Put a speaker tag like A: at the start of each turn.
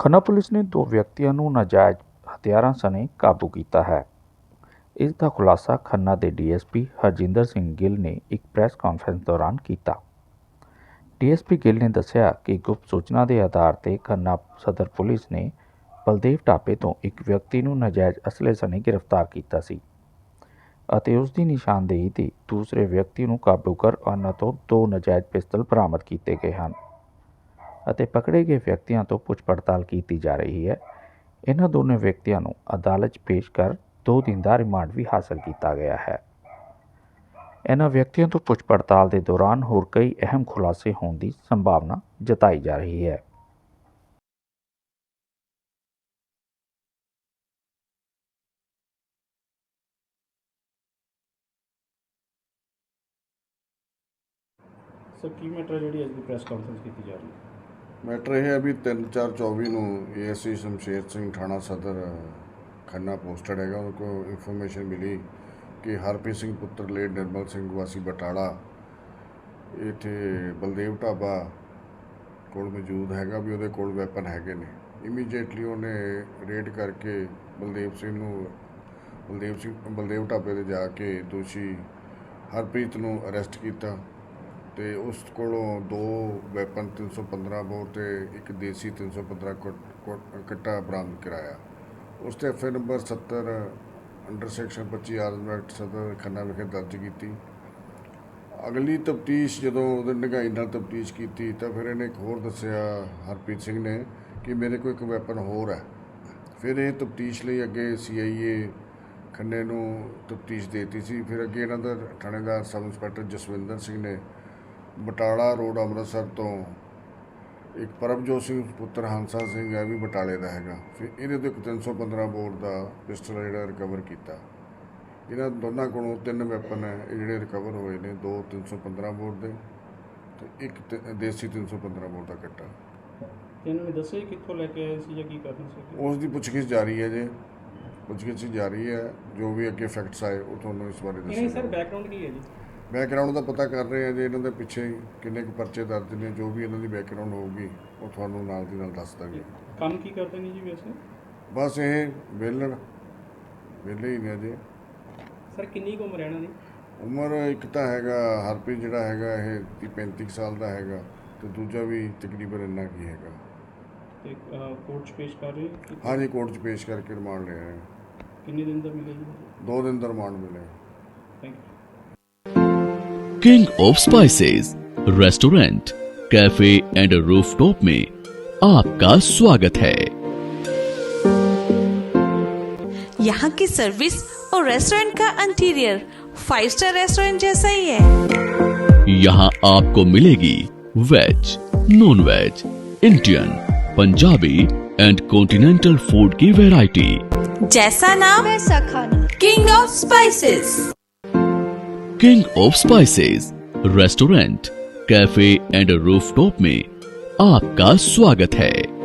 A: Khanna police ਨੇ 2 ਵਿਅਕਤੀਆਂ ਨੂੰ ਨਾਜਾਇਜ਼ ਹਥਿਆਰਾਂ ਸਣੇ ਕਾਬੂ ਕੀਤਾ ਹੈ। ਇਸ ਦਾ ਖੁਲਾਸਾ ਖੰਨਾ ਦੇ ਡੀਐਸਪੀ ਹਰਜਿੰਦਰ ਸਿੰਘ ਗਿੱਲ ਨੇ ਇੱਕ ਪ੍ਰੈਸ ਕਾਨਫਰੰਸ ਦੌਰਾਨ ਕੀਤਾ। ਡੀਐਸਪੀ ਗਿੱਲ ਨੇ ਦੱਸਿਆ ਕਿ ਗੁਪਤ ਸੂਚਨਾ ਦੇ ਆਧਾਰ ਤੇ ਖੰਨਾ ਸਦਰ ਪੁਲਿਸ ਨੇ ਬਲਦੇਵ ਢਾਬੇ ਤੋਂ ਇੱਕ ਵਿਅਕਤੀ ਨੂੰ ਨਾਜਾਇਜ਼ ਅਸਲੇ ਸਣੇ ਗ੍ਰਿਫਤਾਰ ਕੀਤਾ ਸੀ ਅਤੇ ਉਸ ਦੀ ਨਿਸ਼ਾਨਦੇਹੀ ਤੇ ਦੂਸਰੇ ਵਿਅਕਤੀ ਨੂੰ ਕਾਬੂ ਕਰ ਉਹਨਾਂ ਤੋਂ 2 ਨਾਜਾਇਜ਼ ਪਿਸਤਲ ਬਰਾਮਦ ਕੀਤੇ ਗਏ ਹਨ ਅਤੇ ਪਕੜੇ ਗਏ ਵਿਅਕਤੀਆਂ ਤੋਂ ਪੁੱਛ ਪੜਤਾਲ ਕੀਤੀ ਜਾ ਰਹੀ ਹੈ। ਇਹਨਾਂ ਦੋਨੋਂ ਵਿਅਕਤੀਆਂ ਨੂੰ ਅਦਾਲਤ 'ਚ ਪੇਸ਼ ਕਰ 2 ਦਿਨ ਦਾ ਰਿਮਾਂਡ ਵੀ ਹਾਸਲ ਕੀਤਾ ਗਿਆ ਹੈ। ਇਹਨਾਂ ਵਿਅਕਤੀਆਂ ਤੋਂ ਪੁੱਛ ਪੜਤਾਲ ਦੇ ਦੌਰਾਨ ਹੋਰ ਕਈ ਅਹਿਮ ਖੁਲਾਸੇ ਹੋਣ ਦੀ ਸੰਭਾਵਨਾ ਜਤਾਈ ਜਾ ਰਹੀ ਹੈ।
B: ਸਰ ਕੀ ਮੈਟਰ ਜਿਹੜੀ ਅੱਜ ਦੀ ਪ੍ਰੈਸ ਕਾਨਫਰੰਸ ਕੀਤੀ ਜਾ ਰਹੀ ਹੈ?
C: ਮੈਟਰ ਇਹ ਹੈ ਵੀ 3/4/24 ਨੂੰ ਏਐਸਆਈ ਸ਼ਮਸ਼ੇਰ ਸਿੰਘ ਥਾਣਾ ਸਦਰ ਖੰਨਾ ਪੋਸਟਡ ਹੈਗਾ। ਉਹਨਾਂ ਕੋਲ ਇਨਫੋਰਮੇਸ਼ਨ ਮਿਲੀ ਕਿ ਹਰਪ੍ਰੀਤ ਸਿੰਘ ਪੁੱਤਰ ਲੇਟ ਨਿਰਮਲ ਸਿੰਘ ਵਾਸੀ ਬਟਾਲਾ ਇੱਥੇ ਬਲਦੇਵ ਢਾਬਾ ਕੋਲ ਮੌਜੂਦ ਹੈਗਾ ਵੀ ਉਹਦੇ ਕੋਲ ਵੈਪਨ ਹੈਗੇ ਨੇ। ਇਮੀਡੀਏਟਲੀ ਉਹਨੇ ਰੇਡ ਕਰਕੇ ਬਲਦੇਵ ਢਾਬੇ 'ਤੇ ਜਾ ਕੇ ਦੋਸ਼ੀ ਹਰਪ੍ਰੀਤ ਨੂੰ ਅਰੈਸਟ ਕੀਤਾ ਤੇ ਉਸ ਕੋਲੋਂ 2 ਵੈਪਨ 315 ਬੋਰ ਤੇ ਇੱਕ ਦੇਸੀ 315 ਕੱਟਾ ਬਰਾਮਦ ਕਰਾਇਆ। ਉਸ 'ਤੇ FIR number 70 under section 25 arm act ਸਦਰ ਖੰਨਾ ਵਿਖੇ ਦਰਜ ਕੀਤੀ। ਅਗਲੀ ਤਫਤੀਸ਼ ਜਦੋਂ ਉਹਦੇ ਡੂੰਘਾਈ ਨਾਲ ਤਫਤੀਸ਼ ਕੀਤੀ ਤਾਂ ਫਿਰ ਇਹਨੇ ਇੱਕ ਹੋਰ ਦੱਸਿਆ ਹਰਪ੍ਰੀਤ ਸਿੰਘ ਨੇ ਕਿ ਮੇਰੇ ਕੋਲ ਇੱਕ ਵੈਪਨ ਹੋਰ ਹੈ। ਫਿਰ ਇਹ ਤਫਤੀਸ਼ ਲਈ ਅੱਗੇ CIA ਖੰਨੇ ਨੂੰ ਤਫਤੀਸ਼ ਦੇ ਦਿੱਤੀ ਸੀ। ਫਿਰ ਅੱਗੇ ਇਹਨਾਂ ਦਾ ਥਾਣੇਦਾਰ ਸਬ ਇੰਸਪੈਕਟਰ ਜਸਵਿੰਦਰ ਸਿੰਘ ਨੇ ਬਟਾਲਾ ਰੋਡ ਅੰਮ੍ਰਿਤਸਰ ਤੋਂ ਇੱਕ ਪਰਮਜੋਤ ਸਿੰਘ ਪੁੱਤਰ ਹੰਸਾ ਸਿੰਘ ਹੈ ਵੀ ਬਟਾਲੇ ਦਾ ਹੈਗਾ। ਫਿਰ ਇਹਦੇ ਤੋਂ ਇੱਕ 315 ਬੋਰ ਦਾ ਪਿਸਟਲ ਜਿਹੜਾ ਰਿਕਵਰ ਕੀਤਾ। ਇਹਨਾਂ ਦੋਨਾਂ ਕੋਲੋਂ 3 ਵੈਪਨ ਹੈ ਇਹ ਜਿਹੜੇ ਰਿਕਵਰ ਹੋਏ ਨੇ, 2 315 ਬੋਰ ਦੇ ਤੇ ਇੱਕ ਦੇਸੀ 315 ਬੋਰ ਦਾ ਕੱਟਾ।
B: ਇਹਨਾਂ ਨੇ ਦੱਸਿਆ ਕਿੱਥੋਂ ਲੈ ਕੇ ਆਏ ਸੀ ਜਾਂ ਕੀ ਕਰਨਾ ਸੀ?
C: ਉਸ ਦੀ ਪੁੱਛਗਿੱਛ ਜਾਰੀ ਹੈ ਜੀ, ਪੁੱਛਗਿੱਛ ਜਾਰੀ ਹੈ। ਜੋ ਵੀ ਅੱਗੇ ਫੈਕਟਸ ਆਏ ਉਹ ਤੁਹਾਨੂੰ ਇਸ ਬਾਰੇ ਦੱਸਾਂਗੇ।
B: ਸਰ ਬੈਕਗ੍ਰਾਉਂਡ ਕੀ ਹੈ ਜੀ?
C: ਬੈਕਗਰਾਊਂਡ ਦਾ ਪਤਾ ਕਰ ਰਹੇ ਆ ਜੀ, ਇਹਨਾਂ ਦੇ ਪਿੱਛੇ ਕਿੰਨੇ ਕੁ ਪਰਚੇ ਦਰਜ ਨੇ। ਜੋ ਵੀ ਇਹਨਾਂ ਦੀ ਬੈਕਗਰਾਊਂਡ ਹੋਊਗੀ ਉਹ ਤੁਹਾਨੂੰ ਨਾਲ ਦੀ ਨਾਲ ਦੱਸ ਦਾਂਗੇ।
B: ਕੰਮ ਕੀ ਕਰਦੇ ਨੇ ਜੀ ਵੈਸੇ?
C: ਬਸ ਇਹ ਵਿਹਲੇ ਹੀ ਨੇ ਜੀ।
B: ਸਰ ਕਿੰਨੀ ਕੁ ਉਮਰ ਹੈ ਇਹਨਾਂ ਦੀ?
C: ਉਮਰ ਇੱਕ ਤਾਂ ਹੈਗਾ ਹਰਪ੍ਰੀਤ ਜਿਹੜਾ ਹੈਗਾ ਇਹ 35 ਸਾਲ ਦਾ ਹੈਗਾ ਤੇ ਦੂਜਾ ਵੀ ਤਕਰੀਬਨ ਇੰਨਾ ਕੀ ਹੈਗਾ।
B: ਤੇ ਕੋਰਟ 'ਚ ਪੇਸ਼ ਕਰ ਰਹੇ?
C: ਹਾਂਜੀ, ਕੋਰਟ 'ਚ ਪੇਸ਼ ਕਰਕੇ ਰਿਮਾਂਡ ਲਿਆ ਹੈ।
B: ਕਿੰਨੇ ਦਿਨ ਦਾ ਮਿਲਿਆ ਜੀ?
C: 2 ਦਿਨ ਦਾ ਰਿਮਾਂਡ ਮਿਲਿਆ।
B: Thank you.
D: King of spices restaurant, cafe and rooftop में आपका स्वागत है।
E: यहाँ की सर्विस और रेस्टोरेंट का इंटीरियर 5 स्टार रेस्टोरेंट जैसा ही है।
D: यहाँ आपको मिलेगी veg, non veg, Indian, Punjabi and continental food की वैरायटी।
E: जैसा नाम वैसा खाना। King of spices.
D: King of spices restaurant, cafe and rooftop में आपका स्वागत है।